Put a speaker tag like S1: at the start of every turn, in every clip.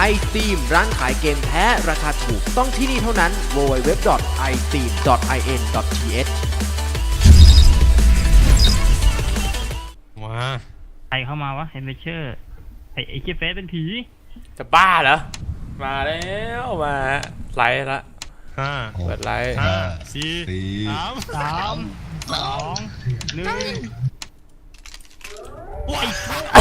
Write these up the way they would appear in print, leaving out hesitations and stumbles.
S1: iSteam ร้านขายเกมแท้ราคาถูกต้องที่นี่เท่านั้น www.isteam.in.th
S2: มา
S3: ใครเข้ามาวะเฮนเชอร์ไอ้เจฟเฟสเป็นผี
S4: จะบ้าเหรอมาแล้วมาไลฟ์ละ
S2: ห้า
S4: เปิดไลฟ์
S2: ห้าสี่
S3: สามสองหนึ่งโอ้ย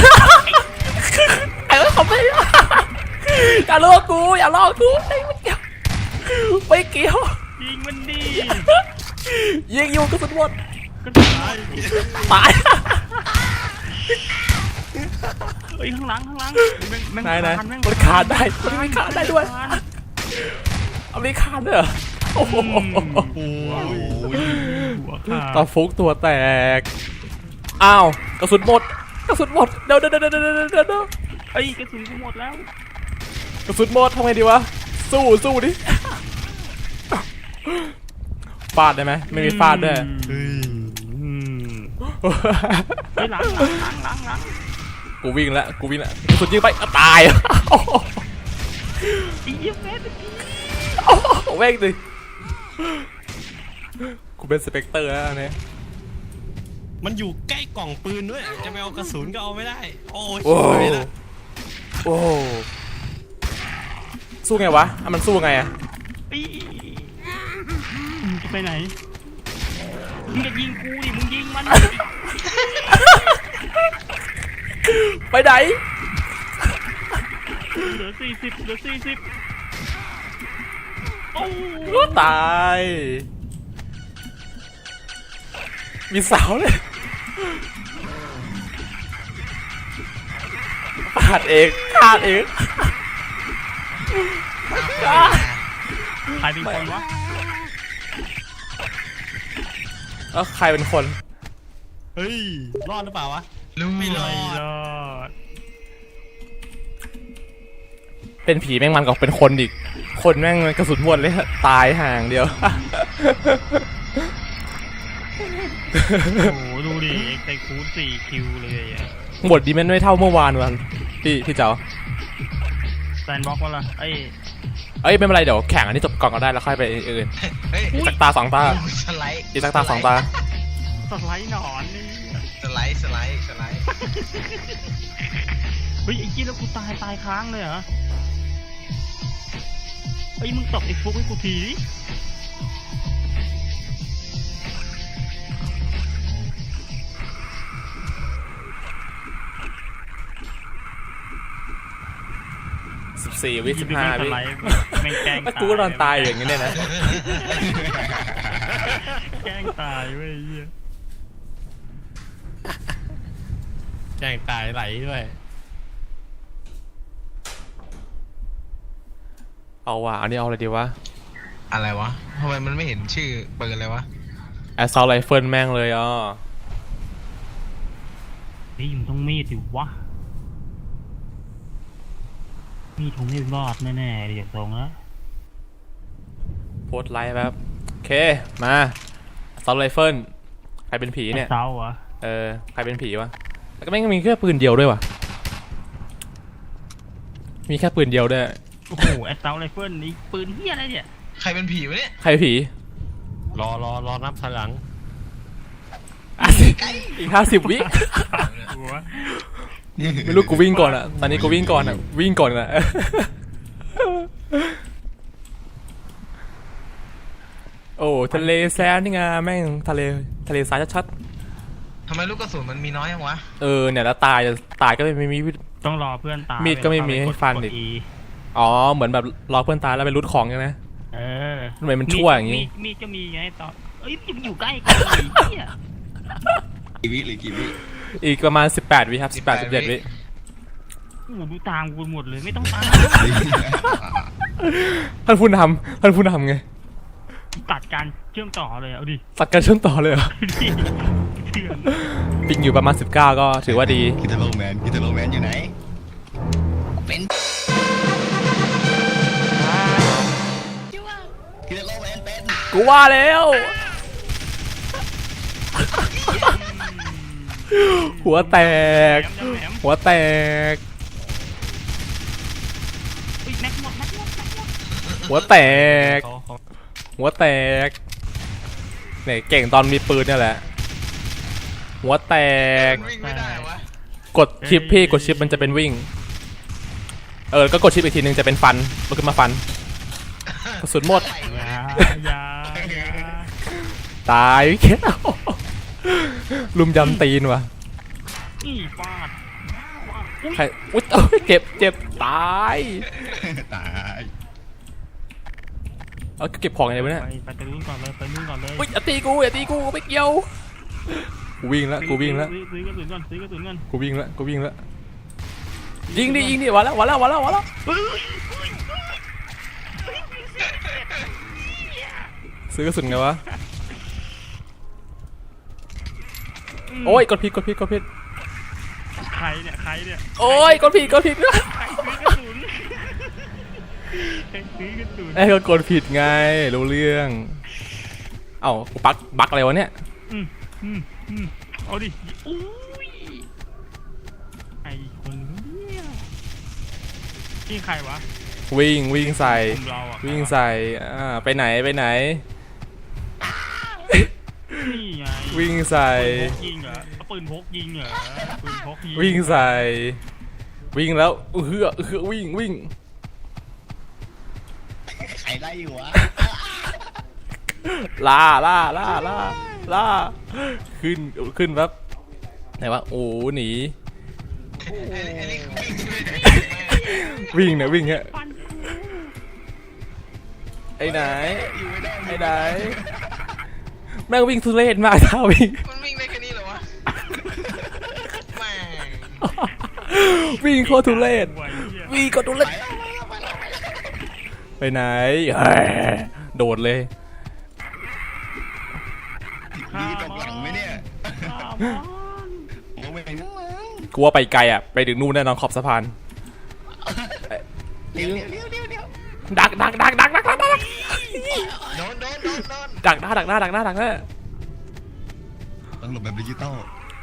S4: ไอ้เขาไม่อย่าลอกกูอย่าลอกกูไม่เกี่ยว
S3: ยิงมันดี
S4: ยิงอยู่กระสุนหมด
S3: ก็ตาย
S4: ตาย
S3: เฮ้ยข้างหลังแม่ง
S4: ไหน
S3: แม่ง
S4: มันขาดได้มันไม่ขาดได้ด้วยเอาไม่ขาดด้วยเหรอโอ้โห
S3: หัวขาด
S4: ตาฟุกตัวแตกอ้าวกระสุนหมดกระสุนหมดเดี๋ยว
S3: เอ้ยกระสุนกูหมดแล้ว
S4: กระสุนหมดทำไงดีวะสู้ดิฟาดได้ไหมไม่มีฟาดด้วย
S3: เฮ้ยหลัง
S4: กูวิ่งแล้วกระสุนยิงไปตาย
S3: ไอ้เจฟเฟสเป็นผี
S4: แม่งดิกูเป็นสเปกเตอร์แล้วอันนี้
S2: มันอยู่ใกล้กล่องปืนด้วยจะไปเอากระสุนก็เอาไม่ได้โอ้ย
S4: โอ้โอ้สู้ไงวะมันสู้ไงอะ
S3: ไอ้มึงจะไปไหนมึงจะยิงกูดิมึงยิงมัน
S4: ไปไหน
S3: เหลือ40โอ้
S4: ก็ตายมีเสาเลยขาดเอง
S3: ใครเป็นคนวะ
S4: แล้วใครเป็นคน
S2: เฮ้ยรอดหรือเปล่าวะ
S3: ไม่รอด
S4: เป็นผีแม่งมันกับเป็นคนอีกคนแม่งกระสุนหมดเลยตายห่างเดียว
S3: โอ้โหดูดิเอ็กไซคูด4 คิวเลยอ่ะ
S4: หมดดีมันไม่เท่าเมื่อวานวันพี่เจ้า
S3: แซนบ็อกว่าล่ะไอ้
S4: เอ้ยไม่เป็นไรเดี๋ยวแข่งอันนี้จบก่อนก็ได้แล้วค่อยไปอื่น
S5: เฮ้ย
S4: อีกสักตา2 ตา
S5: สไลด์
S4: อีกสักตา2 ตา
S3: สไลด์หนอนนี่
S5: สไลด์
S3: เฮ้ยไอ้กี้แล้วกูตายค้างเลยเหรอเฮ้ยมึงตบไอ้ฟุกให้กูทีดิ
S4: 14 วิ15 วิ
S3: แม่งแกล้ง
S4: กูก็นอนตายอย่างนี้เนี่ยนะ
S3: แกล้งตายเว้ยเหี้ย
S2: แจ้งตายไหลด้วย
S4: เอาว่ะอันนี้เอาอะไรดีวะ
S5: อะไรวะทำไมมันไม่เห็นชื่อปืนเลยวะ
S4: Assault Rifle แม่งเลย
S3: เฮ้ยมึงต้องมีดดิวะมีดคงไม่รอดแน่ๆเดี๋ยวตรงแล้ว
S4: โพสไลฟ์แบบโอเคมา Assault Rifle ใครเป็นผีเนี่ย
S3: เศร้าเหรอ
S4: ใครเป็นผีวะแล้วก็แม่งมีแค่ปืนเดียวด้วยวะมีแค่ปืนเดียวด้วย
S3: โอ้โหแอสเซาไรเฟิลนี่ปืนเฮียอะไรเนี่ย
S5: ใครเป็นผีวะเนี่ย
S4: ใครเป็นผี
S2: รอนับถอยหลัง
S4: อีก50 วิ
S3: หัว
S4: ไม่รู้กูวิ่งก่อนอะตอนนี้กูวิ่งก่อนอะโอ้ทะเลแซนนี่ไงแม่งทะเลทรายชัด
S5: ทำไมลูกกระสุนมันมีน้อยยังวะ
S4: ๆเนี่ยแล้วตายก็ไม่มี
S3: ต้องรอเพื่อนตาย
S4: มีดก็ไม่มีให้ฟันอีก อ๋อเหมือนแบบรอเพื่อนตายแล้วไปรูดของใช่ไหม ทำไมมันชั่วอย่างงี้
S3: มีดก็มีไงตอนเอ้ยมันอยู่ใกล้กันเฮีย
S5: กี่วิ
S4: อีกประมาณ18 วิครับ18 17 วิ
S3: โอ้โหดูตามกูหมดเลยไม่ต้องตาม
S4: ท่านผู้นำไง
S3: ตัดการเชื่อมต่อเลยเอาดิ
S4: ตัดกันเชื่อมต่อเลยเหรอ
S3: เถื่อน
S4: ปิงอยู่ประมาณ19ก็ถือว่าดี
S5: กิตาโลแมนอยู่ไหนเป็นกิตาโลแมนเป็น
S4: กูว่าแล้วหัวแตก
S3: แหม
S4: หัวแตกหัวแตก
S2: เขา
S4: หัวแตกเนี่ยเก่งตอนมีปืนเนี่ยแหละหัวแตก
S5: วิ่งไม่ได้วะ
S4: กดชิปพี่กดชิปมันจะเป็นวิ่งก็กดชิปอีกทีนึงจะเป็นฟันมันขึ้นมาฟันกระสุนหมด
S3: อย่า
S4: ตายแค่ลุมยำตีนว่ะ
S3: นี่ฟาดอุ๊ย
S4: ใครอุ๊ยเอ้ยเจ็บตาย
S5: ตาย
S4: เอาเก็บของยังไงวะเนี่ย
S3: ไปนู่นก่อนเลยไปนู่นก่อนเลย
S4: อุ๊ยอย่าตีกูไม่เกี่ยวกูวิ่งแล้ว
S3: ซื้อกระสุนก่อนซื้อกระสุนก่อน
S4: กูวิ่งแล้วยิงดิมาแล้วซื้อกระสุนไงวะโอ้ยกดผิด
S3: ใครเนี่ย
S4: โอ้ยกดผิด
S3: ใครซื้อกระสุนใครซื้อกระสุน
S4: ก็กดผิดไงรู้เรื่องเอ้ากูบักอะไรวะเนี่ย
S3: เอาดิอุ้ยไอคนเนี่ยนี่ใครวะ
S4: วิ่งใส่
S3: กลุ่มเราอะ
S4: วิ่งใส่ไปไหน
S3: นี่ไง
S4: วิ่งใส่
S3: ปืนพกยิงเหรอปืนพกยิง
S4: วิ่งใส่วิ่งแล้วเฮือวิ่ง
S5: ใครไล่อยู่วะ
S4: ล่าขึ้นแบบไหนวะโอ้หนี
S5: ไอ้นี่คือวิ่งไม่ได้
S4: วิ่งฮะ
S3: ฟัน
S4: ไอ้ไหน
S5: อยู่ไม่ได้
S4: ไอ้ไหนแม่งวิ่งทุเรศมากท่าวิ่ง
S5: มันวิ่งได้แค่นี้เหรอวะแม่ง
S4: วิ่งโคตรทุเรศ
S3: ไว้เหี้ย
S4: วิ่งโคตรทุเรศไปไหนโดดเลย
S5: มีตกหลังไหมเนี่ย
S3: ฆ่ามัน
S5: มองไม่เห็นข้างหลัง
S4: กูว่าไปไกลอ่ะไปถึงนู่นแน่นอนขอบสะพาน
S5: เดี๋ยว
S4: ดัก
S5: โดน
S4: ดักหน้า
S5: โดน ต้องหลบแบบดิจิตอล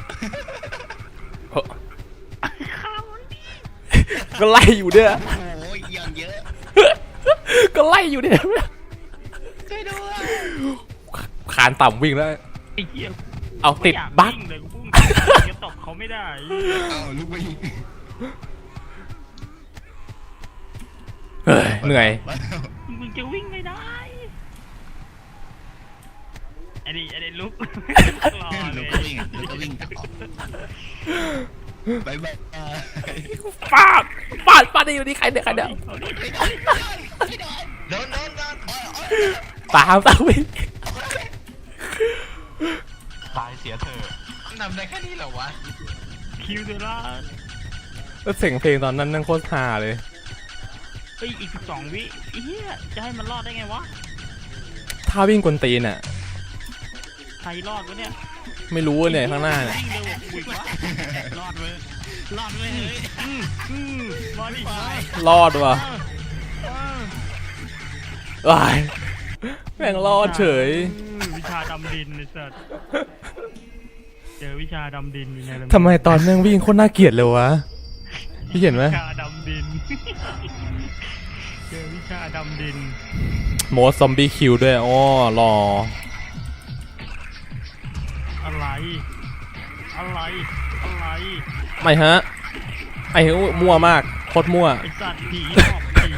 S4: ก็ไล่อยู่เนี่ย
S5: โอ้ยอย่างเยอะ
S4: ก็ไล่อยู่เนี่ย
S5: ช่วยด้วย
S4: คานต่ำวิ่งแล้ว
S3: ไอ้เหี้ย
S4: เอาติด
S3: ไม่อยา
S4: บั๊ก
S3: วิ่งเลยกูพุ่งจะตบเขาไม่ได้
S5: เอาลูกไปยิง
S4: เฮ้ยเหนื่อย
S3: มึงจะวิ่งไม่ได้ไอ้นี่ลุกรอเล
S5: ลูก
S3: ย
S5: ก็วิ่งลูกก็วิ่งต่อบายบาย
S4: ฟาดได้อยู่นี่ใครเนี่ย
S3: เอาดิ
S5: โดน
S4: ตามวิ่ง
S5: ตายเสียเธอทำได้แค่นี้เหรอวะ
S3: คิวเดล่า
S4: แล้วเสียงเพลงตอนนั้นนั่งโคตรฮาเลย
S3: เฮ้ยอีก12 วิไอ้เหี้ยจะให้มันรอดได้ไงวะ
S4: ถ้าวิ่งกวนตีนอ่ะ
S3: ใครรอดวะเนี่ย
S4: ไม่รู้เนี่ยข้างหน้าเนี่ย
S3: วิ่งเร็วกว่ากูอีกวะรอดเลยเฮ้ยมาดิมาร
S4: อดว่ะว้ายแม่งรอดเฉย
S3: วิชาดำดินไอ้สัสเจอวิชาดำดินอยู่ใน
S4: ทำไมตอนแม่งวิ่งโคตรน่าเกลียดเลยวะพี่เห็นไหม
S3: วิชาดำดินเจอวิชาดำดิน
S4: โมดซอมบี้คิวด้วยอ๋อรอ
S3: อะไร
S4: ไม่ฮะไอ้มั่วมากโคตรมั่ว
S3: ไอสัตว์ผีหอกผี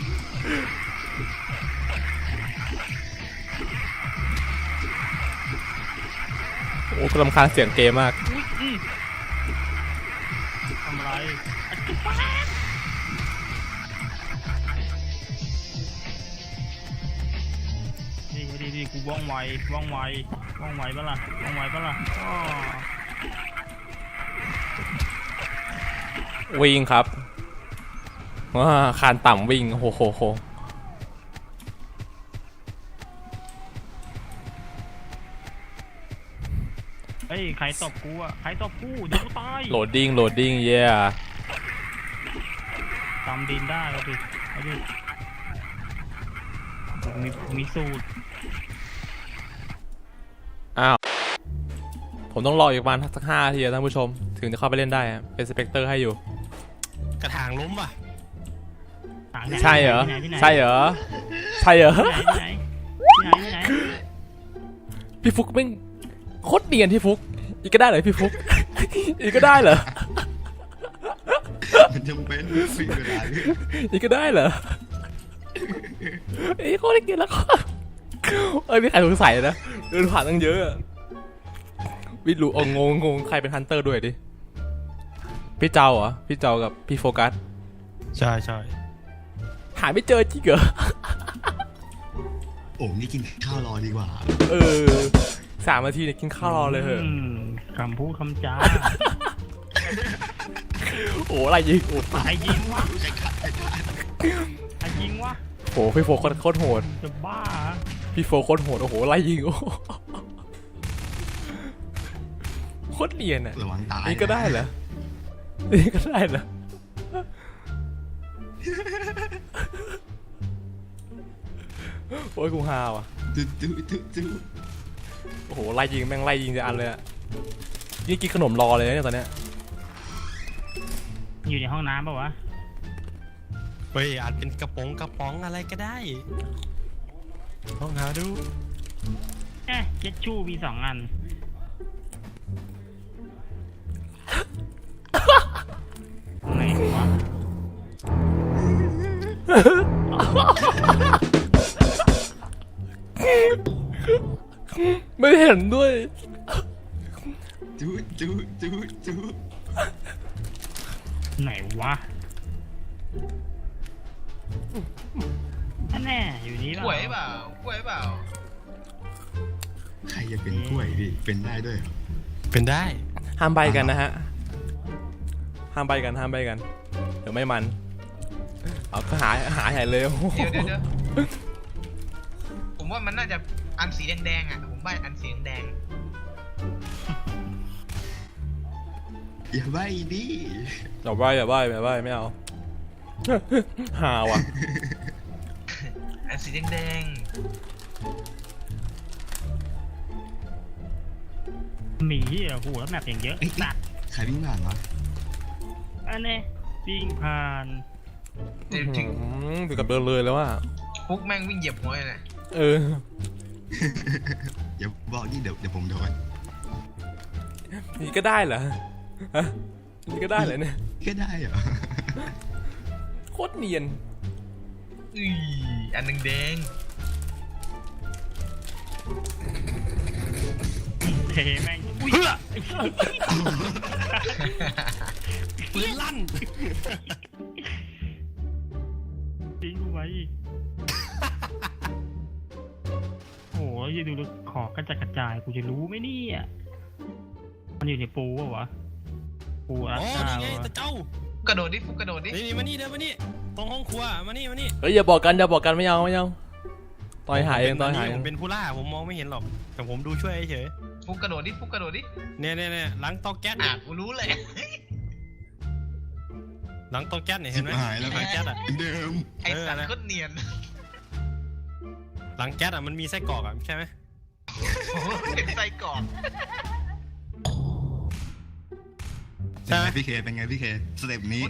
S4: โอ้กรำคาญเสียงเกมมาก
S3: ทำอะไรดีกูว่องไวปะล่ะอ้อ
S4: วิ่งครับว้าคานต่ำวิ่งโห
S3: เฮ้ยใครตบกูอ่ะใครตบกูเดี๋ยวกูตาย
S4: โหลดดิ้งเย่
S3: ตามดินได้เอาดิมีสูตร
S4: อ้าวผมต้องรออีกประมาณสัก5 นาทีท่านผู้ชมถึงจะเข้าไปเล่นได้อะเป็นสเปกเตอร์ให้อยู่
S2: กระถางล้มป่ะ
S4: ใช่เหรอ
S3: ที่ไหน
S4: ใช่เหรอใช่เหรอ
S3: ไหนไหน
S4: พี่ฟุกแม่งโคตรเนียนพี่ฟุกอีกก็ได้เหรอพี่ฟุก อีกก็ได้เหรอ
S6: มันจำเป็นไม่เวลาพี่
S4: อีกก็ได้เหรอไอ้โคตรเนียนแล้วก็เอ้ยมีใครสงสัยนะเดินผ่านตั้งเยอะอะวิรู้งงใครเป็นฮันเตอร์ด้วยดิพี่เจ้าเหรอพี่เจ้ากับพี่โฟกัส
S2: ใช่ใช่
S4: หาไม่เจอจริงเหรอ
S6: โอ้นี่กินข้าวรอดีกว่า
S4: 3 นาทีเนี่ยกินข้าวรอเลยเหอะ
S3: คำพูดคำจา
S4: โอ้อะไรยิงโอ้
S3: ใครยิงวะใครยิงวะ
S4: โหพี่โฟโคตรโหด
S3: จะบ้า
S4: พี่โฟโคตรโหดโอ้โหไล่ยิงโอ้โคตรเนียนอ่ะ
S6: ระวังตาย
S4: นี่ก็ได้เหรอนี่ก็ได้เหรอโอ้ยกูฮาว่ะ
S6: จุ๊
S4: โอ้โหไล่ยิงแม่งไล่ยิงจะอันเลยอะนี่กินขนมรอเลยเนี่ยตอนเนี้ย
S3: อยู่ในห้องน้ำป่าวะ
S2: เฮ้ยอาจเป็นกระป๋องอะไรก็ได้ลองหาดู
S3: เจ็ดชู่มี2 อันไหนวะ
S4: ไม่เห็นด้วย
S6: จุ๊
S3: ไหนวะแน่อยู่นี่
S5: กล้วยเปล่ากล้วยเปล่า
S6: ใครจะเป็นกล้วยพี่เป็นได้ด้วยเหรอ
S2: เป็นได้
S4: ห้ามใบกันนะฮะห้ามใบกันเดี๋ยวไม่มันเอาก็หาใหญ่เลยโอ้โห
S5: เดี๋ยวผมว่ามันน่าจะอันสีแดงๆอ่ะผมใบอันสีแดง
S6: อย่าใบ้ดิ
S4: อย่าใบไม่เอา หาว่ะ
S5: อันสีแดง
S3: หมีอ่ะโหแล้วแมปอย่างเยอะสัตว์
S6: ใครวิ่งผ่านวะ
S3: อันนี้วิ่งผ่าน
S5: เดี๋ยวถึง
S4: ถึงกับเดินเลยแล้วว่า
S5: ฟุกแม่งวิ่งเหยียบหัวเลยนะ
S6: อย่าบอกนี่เดี๋ยวผมโดน
S4: นี่ก็ได้เหรอฮะนี่ก็ได้เหรอเนี่ย
S6: ก็ได้เหรอ
S4: โคตรเนียน
S5: อันแดง
S3: เทแม่งอุ้ย
S2: ปืนลั่น
S3: ทิ้งไว้อีกโอ้ยดูดูขอกระจายกูจะรู้ไหมเนี่ยมันอยู่ในปูวะปู
S2: อ๋
S3: รั
S2: อ
S3: ดตา
S2: นี่ไง
S3: วะ
S2: ตะเจ้าก
S5: ระโดดดิฟุกกระโดดดิ
S2: นี่มานี่เดินมานี่ตรงห้องครัวมานี่
S4: เฮ้ยอย่าบอกกันไม่เอาต่อยหายเอง
S2: ผมเป็นผู้ล่าผมมองไม่เห็นหรอกแต่ผมดูช่วยเฉย
S5: ฟุกกระโดดดิฟุกกระโดดดิ
S2: เนี่ยหลังเตาแก๊ส
S5: กูรู้เลย
S2: หลังเตาแก๊สเนี่ยเห็นไหม
S6: หายแล้ว
S2: หลังแก๊สอ่ะ
S6: เดิม
S5: ไอ้สัตว์โคตรเนียน
S2: หลังแก๊สอ่ะมันมีไส้กรอกอ่ะใช่ไหม
S5: เป็นไส้กรอก
S6: เป็นไงพี่เคเป็นไงพี่เคสเต็ปนี้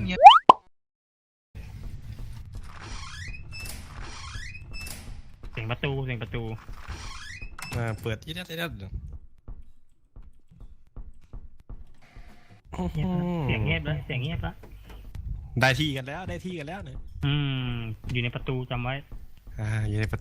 S3: เสียงประตู
S2: เปิดที่นั่น
S3: เงียบแล้วเสียงเงียบแล้ว
S2: ได้ที่กันแล้วเนี่ย
S3: อยู่ในประตูจำไว้
S2: อยู่ในประตู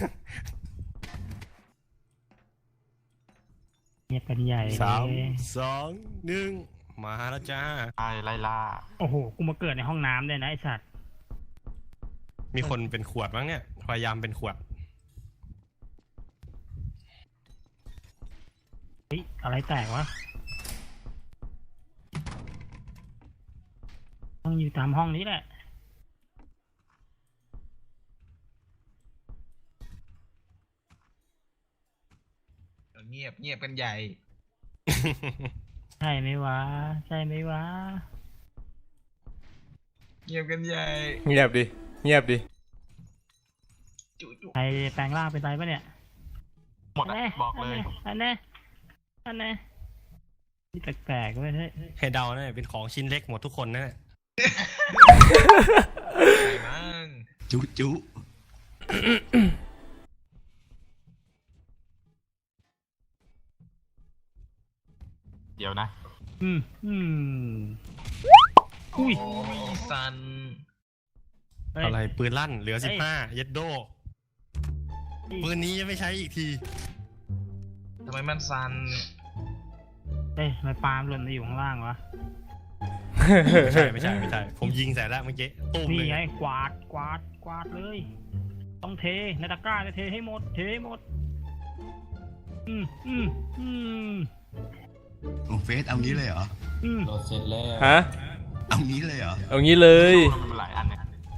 S3: เงียบกันใหญ่
S2: 3 2 1มาแล้วจ้า
S7: ไล่ล่า
S3: โอ้โหกูมาเกิดในห้องน้ำเลยนะไอสัตว์
S2: มีคนเป็นขวดบ้างเนี่ยพยายามเป็นขวด
S3: เฮ้ยอะไรแตกวะต้องอยู่ตามห้องนี้แหละ
S5: เงียบกันใหญ่
S3: ใช่ไหมวะ
S5: เงียบกันใหญ่
S4: เงียบดิ
S3: ใครแปลงร่างเป็นไรปะเนี่ย
S7: หมดอะบอกเลย
S3: อันแน่นี่แปลกๆเว้ยเฮ้ย
S2: ให้เดาเนี่ยเป็นของชิ้นเล็กหมดทุกคนนะ
S5: มั้ง
S6: จุ
S7: เดี๋ยวนะ
S3: อืมอุ้ย
S5: โอ้ยซัน
S3: เฮ้ย
S2: อะไรปืนลั่นเหลือ
S3: เอ้ย
S2: 15 เย็ดโด ปืนนี้จะไม่ใช้อีกที
S5: ทำไมมันซัน
S3: เอ้ยทำไมปาล์มหล่นมาอยู่ข้างล่างวะ
S2: ไม่ใช่ ผมยิงใส่แล้วเมื่อกี้ตุ้ม
S3: นี่
S2: เลย
S3: ไงกวาดเลย ต้องเทในตะกร้าจะเทให้หมด อืม
S6: โอ้เฟสเอางี้เลยเหรอ
S7: โหลดเสร็จแล้ว
S4: ฮะ
S6: เอางี้เลยเหรอ
S4: เอางี้เลย
S7: มันหลายอันเนี่ย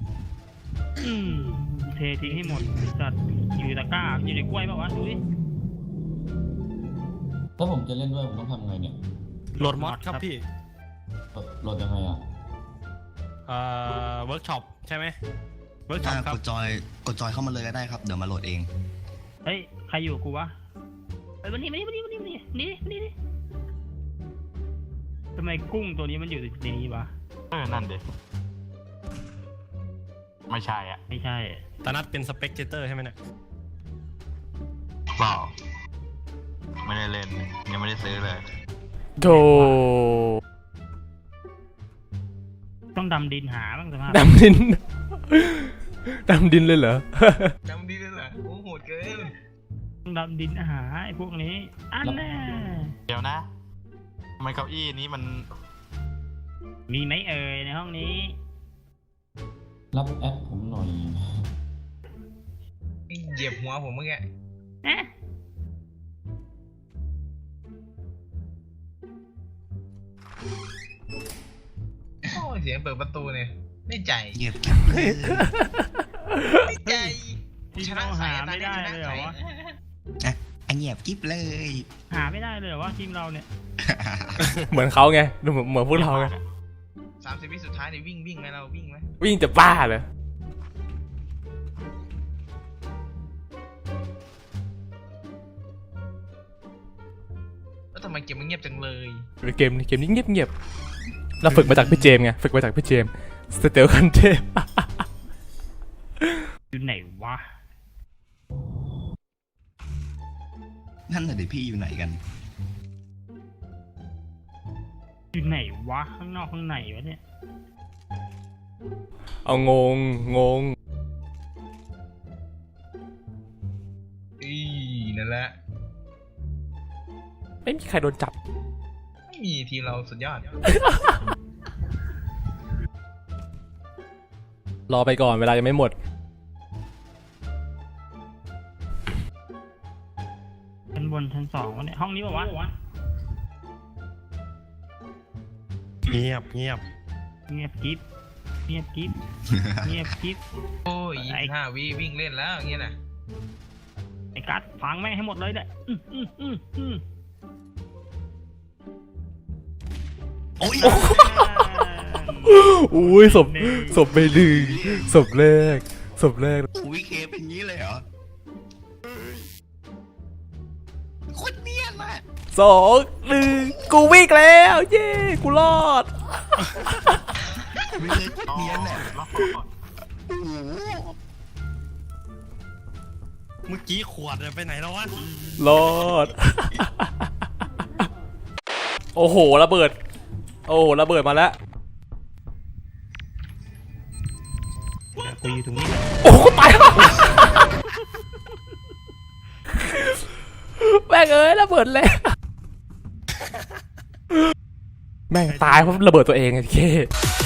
S3: เททิ้งให้หมดจัดอยู่ในตะกร้าอยู่ในกล้วยป่าวะดูดิ
S8: ถ้าผมจะเล่นด้วยผมต้องทำไงเนี่ย
S2: โหลดมอดครับพี่
S8: โหลดยังไงอ่ะ
S2: เวิร์กช็อปใช่ไหมเวิร์กช็อ
S6: ถ้า
S2: ปครับ
S6: กดจอยเข้ามาเลยก็ได้ครับ เดี๋ยวมาโหลดเอง
S3: เฮ้ยใครอยู่กับกูวะเฮ้ยวันนี้นี่ทำไมกุ้งตัวนี้มันอยู่ในนี้วะ
S7: นั่นเด็ไม่ใช่อ่ะ
S3: ไม่ใช่
S2: ตานัดเป็นสเปกเตอร์ใช่ไหมเนี่ย
S7: เปล่า ไม่ได้เล่น ยังไม่ได้ซื้อเลย
S4: โธ
S3: ต้องดำดินหาบ้างสภาพ
S4: ดำดิน ดำดินเลยเหรอ
S5: จำดีเลยเหรอโอ้โหดเกิน
S3: ต้องดำดินหาไอ้พวกนี้อันแน่
S7: เดี๋ยวนะทำไมเก้าอี้นี้มัน
S3: มีไหมเอ่ยในห้องนี้
S8: รับแอปผมหน่อย
S5: เหยียบหัวผมเมื่อกี้
S3: เอ๊ะ
S5: โอ้ยเสียงเปิดประตูเนี่ยไม่ใจ
S6: เงียบกิ๊บเลย
S5: ไม่ใจ
S3: ที่เราหาไม่ได้เลยเหรอวะ
S6: อ่ะอ่ะเงียบกิ๊บเลย
S3: หาไม่ได้เลยเหรอวะทีมเราเนี่ย
S4: เหมือนเขาไงดูเหมือนพวกเราไง
S5: 30 วิสุดท้ายเนี่ยวิ่งไหมเราวิ่งไหม
S4: วิ่งจะบ้าเลย
S5: แล้วทำไมเกมมันเงียบจังเลย
S4: เกมนี้เงียบเราฝึกมาจากพี่เจมส์ไง ฝึกมาจากพี่เจมส์สเตลคันเทพ
S3: อยู่ไหนวะ
S6: นั่นน่ะเดี๋ยวพี่อยู่ไหนกัน
S3: อยู่ไหนวะข้างนอกข้างในวะเนี่ย
S4: เอางง
S5: อีนั่นแหละ
S4: ไม่มีใครโดนจับ
S5: ไม่มีทีมเราสุดยอด
S4: รอไปก่อนเวลายังไม่หมด
S3: ชั้นบนชั้นสองวะเนี่ยห้องนี้ป่าวะ
S2: เงียบ
S3: เงียบกิ๊บ
S5: โอ้ย25 วิวิ่งเล่นแล้วอย่างเงี้ยน่ะ
S3: ไอ้กัดฟังแม่งให้หมดเลยเนี่ย
S6: โอ้ย
S4: อุ้ยศพไม่ดึงศพแรก
S6: อุ้ยเคเป็นงี้เลยเหรอโคตรเนียนอ่ะ
S4: 2 1 กูวิ่งแล้ว เย้ กูรอด
S6: ไม่เลยเนียนอ่ะโอ้โห
S2: เมื่อกี้ขวดไปไหนแล้ววะ
S4: รอด โอ้โหระเบิดมาแล้ว
S3: กูอยู่ตรงนี้
S4: โอ้โหตายแล้วแม่งเอ้ยระเบิดแล้วแม่งตายเพราะระเบิดตัวเองไอ้เค